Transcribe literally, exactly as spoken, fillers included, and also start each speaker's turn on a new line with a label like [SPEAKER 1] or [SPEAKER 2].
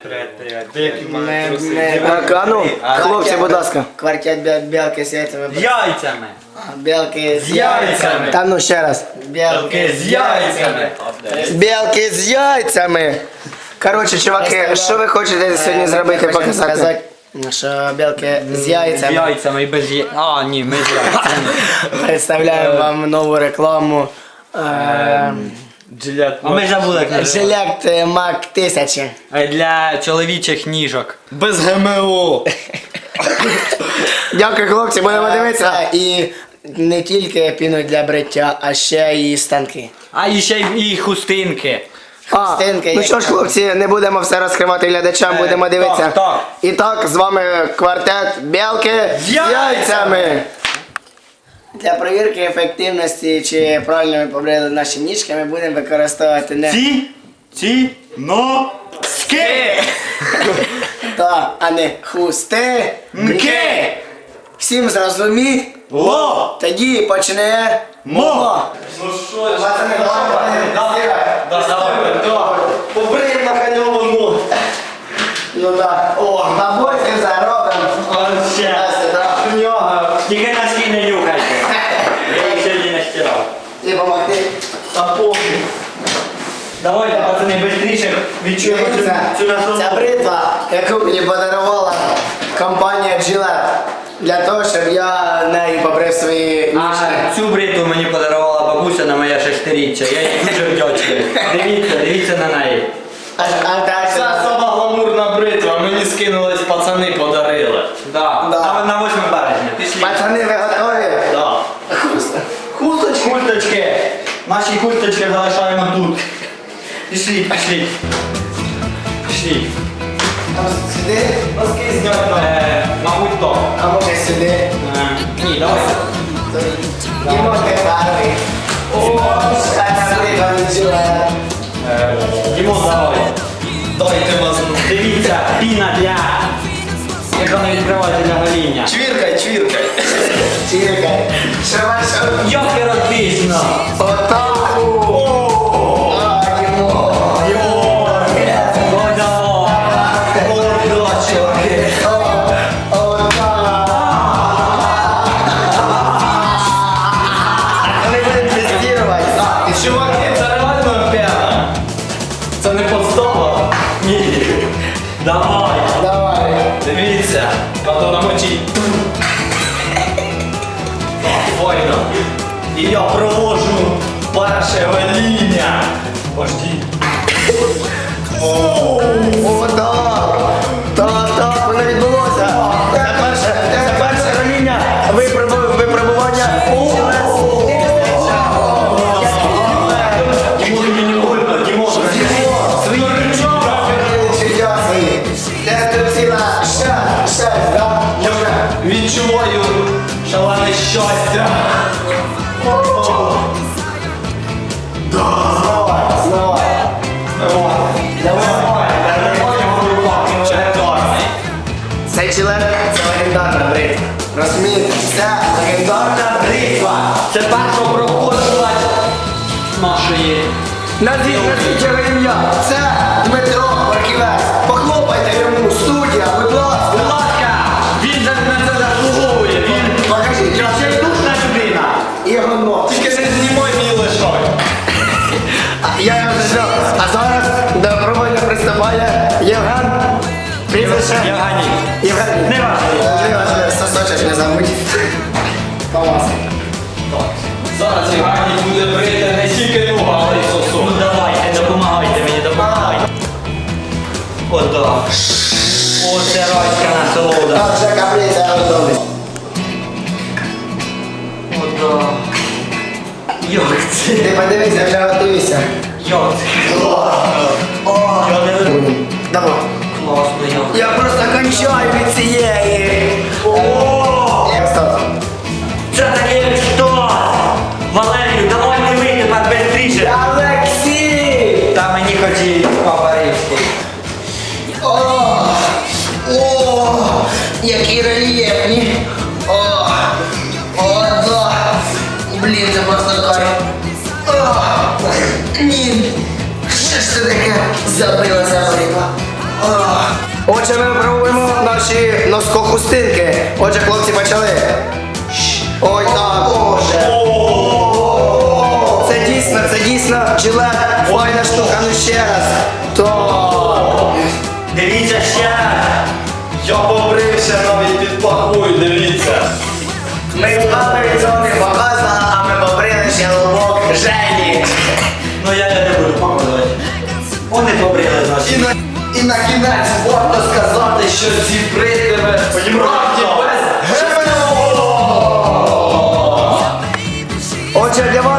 [SPEAKER 1] А ну, хлопці, будь ласка.
[SPEAKER 2] Квартет білки з яйцями.
[SPEAKER 3] З яйцями.
[SPEAKER 2] Білки
[SPEAKER 3] З яйцями.
[SPEAKER 1] Та ну ще раз.
[SPEAKER 3] Білки з яйцями.
[SPEAKER 1] Білки з яйцями. Коротше, чуваки, що ви хочете сьогодні зробити, показати?
[SPEAKER 2] Що білки з
[SPEAKER 3] З
[SPEAKER 2] яйцями.
[SPEAKER 3] яйцями і без яйцями. А, ні, ми з яйцями.
[SPEAKER 2] Представляємо вам нову рекламу.
[SPEAKER 3] Джилет. А ми забули, як називається.
[SPEAKER 2] Жилет Мак тисячі.
[SPEAKER 3] Для чоловічих ніжок.
[SPEAKER 1] Без ГМО. Дякую, хлопці, будемо дивитися.
[SPEAKER 2] І не тільки піну для бриття, а ще і станки.
[SPEAKER 3] А і ще й і хустинки.
[SPEAKER 1] А,
[SPEAKER 2] Стінки,
[SPEAKER 1] ну
[SPEAKER 2] як
[SPEAKER 1] що ж, хлопці, не будемо все розкривати глядачам,
[SPEAKER 3] Е,
[SPEAKER 1] будемо дивитися.
[SPEAKER 3] так, так.
[SPEAKER 1] І так, з вами квартет Білки з яйцями.
[SPEAKER 2] Для перевірки ефективності, чи правильно ми побрили наші ніжки, ми будемо використовувати не
[SPEAKER 3] Ці, ці, но, ски.
[SPEAKER 2] та, а не хусти.
[SPEAKER 3] Мки.
[SPEAKER 2] Всім зрозуміло?
[SPEAKER 3] Ло.
[SPEAKER 2] Тоді почне
[SPEAKER 3] Мо.
[SPEAKER 1] Ну що, пацани, давай, давай. Побриємо на ханьову.
[SPEAKER 2] Ну так. О, бабуськи заробимо.
[SPEAKER 3] Ще.
[SPEAKER 1] В нього.
[SPEAKER 3] Тільки носки не нюхайте. Я їх сьогодні не стирав.
[SPEAKER 2] І помогти.
[SPEAKER 3] Та пофіг. Давайте, пацани, швидше відчуємо цю, цю
[SPEAKER 2] Ця
[SPEAKER 3] насолоду.
[SPEAKER 2] бритва, яку мені подарувала компанія Gillette, для того, щоб я нею побрив свої ніжки.
[SPEAKER 3] А цю бритву мені подарувала бабуся на моє шестиріччя. Я їй дуже вдячний. Дивіться, дивіться на неї.
[SPEAKER 2] А, а далі?
[SPEAKER 4] Це сама гламурна бритва, мені скинулись пацани, подарили.
[SPEAKER 3] Да.
[SPEAKER 2] Да.
[SPEAKER 3] На, на восьме березня. Пішли.
[SPEAKER 2] Пацани, ви готові?
[SPEAKER 4] Да.
[SPEAKER 3] Хусточки. Курточки. Наші курточки залишаємо тут. Пішли, пішли. Пішли.
[SPEAKER 2] Там сюди?
[SPEAKER 3] Носки зняти. Е, мабуть, то.
[SPEAKER 2] А може сюди?
[SPEAKER 3] Е, ні, давай.
[SPEAKER 2] Дімо, ти гарний. О, ця бритва від Gillette.
[SPEAKER 3] Е, Дімон, давай.
[SPEAKER 4] Дайте мазну.
[SPEAKER 3] Дивіться, піна для... Як вона відкривається для гоління.
[SPEAKER 4] Чвіркай, чвіркай.
[SPEAKER 2] Чіркай. Що ваше?
[SPEAKER 3] Як еротично.
[SPEAKER 2] Отак. А, Дімо. Ми будемо тестувати.
[SPEAKER 4] Чуваки, це реально п'яна. Це не подстава.
[SPEAKER 3] Ні. Давай.
[SPEAKER 2] Давай.
[SPEAKER 4] Дивіться, а то намочить. Файно. І я провожу перше гоління. Пожди.
[SPEAKER 2] О, так. Так, так, воно відбулося. Це перше, це перше гоління випробу- випробування.
[SPEAKER 3] Дімон, мені не больно. Дімон.
[SPEAKER 4] Відчуваю шалене щастя.
[SPEAKER 2] Цей член – це легендарна бритва. Розумієте? Це легендарна бритва.
[SPEAKER 3] Це перша проходила нашої.
[SPEAKER 2] Назвіть, назвіть його ім'я. Це Дмитро Марківець. Похлопайте йому, студія, будь ласка.
[SPEAKER 3] Будь ласка, він за на це заслуговує. Він
[SPEAKER 2] Покажіть,
[SPEAKER 3] відчайдушна людина.
[SPEAKER 2] і його нос.
[SPEAKER 4] Тільки не знімай мій лишок.
[SPEAKER 2] Я його зажав. А зараз до проводня приступає Євген. Прізвище.
[SPEAKER 3] Євгеній.
[SPEAKER 2] Євген.
[SPEAKER 3] Не важливо.
[SPEAKER 2] Не важливо, сосочок не забудь. Помас.
[SPEAKER 4] Зараз Євгеній буде брити не тільки ногу, але й
[SPEAKER 3] Ну
[SPEAKER 4] сосок.
[SPEAKER 3] давайте, допомагайте мені, допомагайте. Ото. Оце райська насолода.
[SPEAKER 2] Так, вже каплиця готовий.
[SPEAKER 3] Ото. Як це?
[SPEAKER 2] Ти подивися, вже готуйся.
[SPEAKER 3] Як це? Я не веду.
[SPEAKER 2] Давай.
[SPEAKER 3] Класно, як.
[SPEAKER 2] Я просто кончаю від цієї.
[SPEAKER 3] О!
[SPEAKER 2] Як став?
[SPEAKER 3] Це таке що? Валерію, давай не вийти тепер бистріше.
[SPEAKER 2] Олексій!
[SPEAKER 3] Та мені хотів папа римський.
[SPEAKER 2] О, о, які рельєфні. О, о, да. Блін, це просто кайф. О, ні. Що ж це таке забилася бритва?
[SPEAKER 1] Отже, ми випробуємо наші носкохустинки. Отже, хлопці, почали. Ой, так. Це дійсно, це дійсно жилет. Файна штука, ну ще раз. То.
[SPEAKER 3] Дивіться ще.
[SPEAKER 4] Я побрився навіть під пахою, дивіться.
[SPEAKER 1] Ми перед цього не показали, а ми побрили ще лобок Жені.
[SPEAKER 3] Ну я не буду показувати. Вони побрили
[SPEAKER 4] І
[SPEAKER 3] наші.
[SPEAKER 4] на, і на кінець варто сказати, що ці бритви справді без геморрою.
[SPEAKER 1] Отже, для вас